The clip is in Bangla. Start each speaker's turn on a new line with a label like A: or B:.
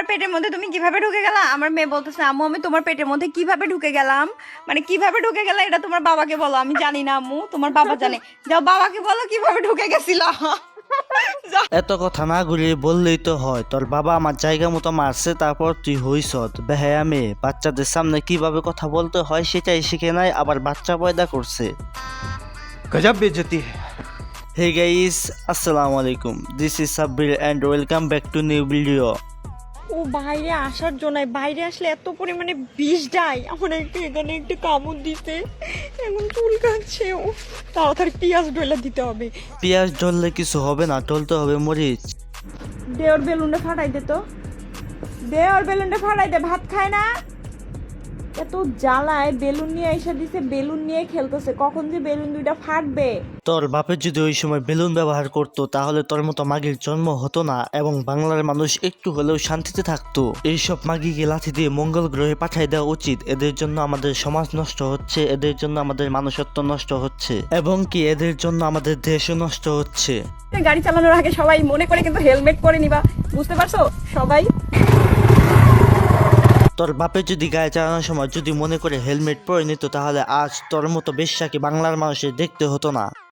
A: পেটের মধ্যে তুমি কিভাবে ঢুকে গেলা? আমার মেয়ে বলতেছে আম্মু আমি তোমার পেটের মধ্যে কিভাবে ঢুকে গেলাম, মানে কিভাবে ঢুকে গেলা এটা তোমার বাবাকে বলো, আমি জানি না আম্মু, তোমার বাবা জানে। যাও বাবাকে বলো কিভাবে ঢুকে গেছিল।
B: এত কথা না ঘুরিয়ে বললেই তো হয়, তোর বাবা আমার জায়গা মতো মারছে, তারপর তুই হইস বেহায়া মেয়ে। বাচ্চাদের সামনে কিভাবে কথা বলতে হয় সেটাই শিখে নাই, আবার বাচ্চা পয়দা করছে।
C: गजब बेइज्जती है।
B: হে গাইস, আসসালামু আলাইকুম, this is Sabbir and welcome back to new video.
A: ও বাইরে আসার জন্য, বাইরে আসলে এত পরিমাণে বিষ দেয়, আমার একটু এখানে একটু কামড় দিতে, এখন চুল কাটছে। ও তাড়াতাড়ি পেঁয়াজ ডলে দিতে হবে।
B: পেঁয়াজ ঢললে কিছু হবে না, ঢলতে হবে মরিচ।
A: দে ওর বেলুনটা ফাটাই দে তো, দে ওর বেলুনটা ফাটাই দে, ভাত খায় না। এত জ্বালায়, বেলুন নিয়ে এসে দিছে, বেলুন নিয়ে খেলতেছে, কখন যে বেলুন দুইটা ফাটবে।
B: তোর বাপের যদি ওই সময় বেলুন ব্যবহার করতো তাহলে তোর মতো মাগির জন্ম হতো না এবং বাংলার মানুষ একটু হলেও শান্তিতে থাকতো। এইসব মাগিকে লাথি দিয়ে মঙ্গল গ্রহে পাঠাই দেওয়া উচিত। এদের জন্য আমাদের সমাজ নষ্ট হচ্ছে, এদের জন্য আমাদের মানুষত্ব নষ্ট হচ্ছে এবং কি এদের জন্য আমাদের দেশও নষ্ট হচ্ছে।
A: গাড়ি চালানোর আগে সবাই মনে করে কিন্তু হেলমেট পরে নিবা, বুঝতে পারছো সবাই?
B: তোর বাপে যদি গায়ে চালানোর সময় যদি মনে করে হেলমেট পরে নিত তাহলে আজ তোর মতো বেশ্যাকে বাংলার মানুষের দেখতে হতো না।